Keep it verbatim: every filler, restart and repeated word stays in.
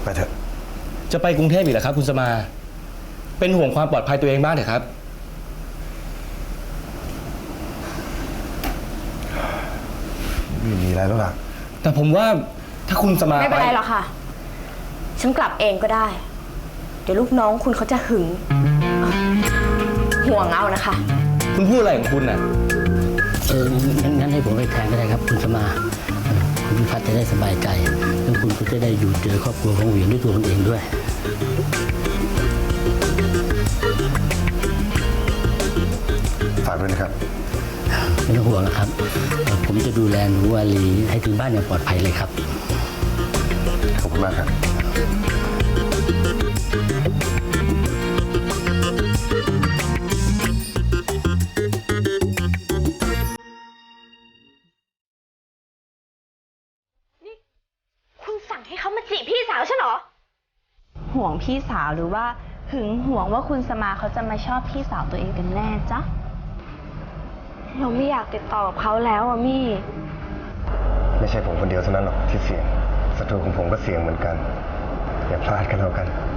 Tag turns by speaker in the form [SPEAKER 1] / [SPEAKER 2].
[SPEAKER 1] ไปเถอะ
[SPEAKER 2] จะไปกรุงเทพอีกเหรอครับคุณสมาเป็นห่วงความปลอดภัยตัวเองบ้างเถอะครับ
[SPEAKER 1] ไม่มีอะไรแล้วล่ะ
[SPEAKER 2] แต่ผมว่าถ้าคุณสมา
[SPEAKER 3] ไม่เป็นไรหรอกค่ะฉันกลับเองก็ได้เดี๋ยวลูกน้องคุณเขาจะหึงห่วงเอานะคะ
[SPEAKER 2] คุณพูดอะไรของคุณน่ะ
[SPEAKER 4] เอองั้นให้ผมไปแทนก็ได้ครับคุณสมาคุณพิพัฒน์จะได้สบายใจแล้วคุณก็จะได้อยู่เจอครอบครัวของเหวียงด้วยตัวคุณเองด้วย
[SPEAKER 1] ฝากด้วยนะครับ
[SPEAKER 4] ไม่ต้องห่วงนะครับผมจะดูแลหนูวาลีให้ถึงบ้านอย่างปลอดภัยเลยครับ
[SPEAKER 1] ขอบคุณมากครับ
[SPEAKER 3] นี่คุณสั่งให้เขามาจีบพี่สาวฉันเหรอ
[SPEAKER 5] ห่วงพี่สาวหรือว่าหึงหวงว่าคุณสมาเขาจะมาชอบพี่สาวตัวเองกันแน่จ๊ะ
[SPEAKER 3] เราไม่อยากติดต่อกับเขาแล้วอะมี่
[SPEAKER 1] ไม่ใช่ผมคนเดียวเท่านั้นหรอกที่เสี่ยงศัตรูของผมก็เสี่ยงเหมือนกันอย่าพลาดกันแล้วกัน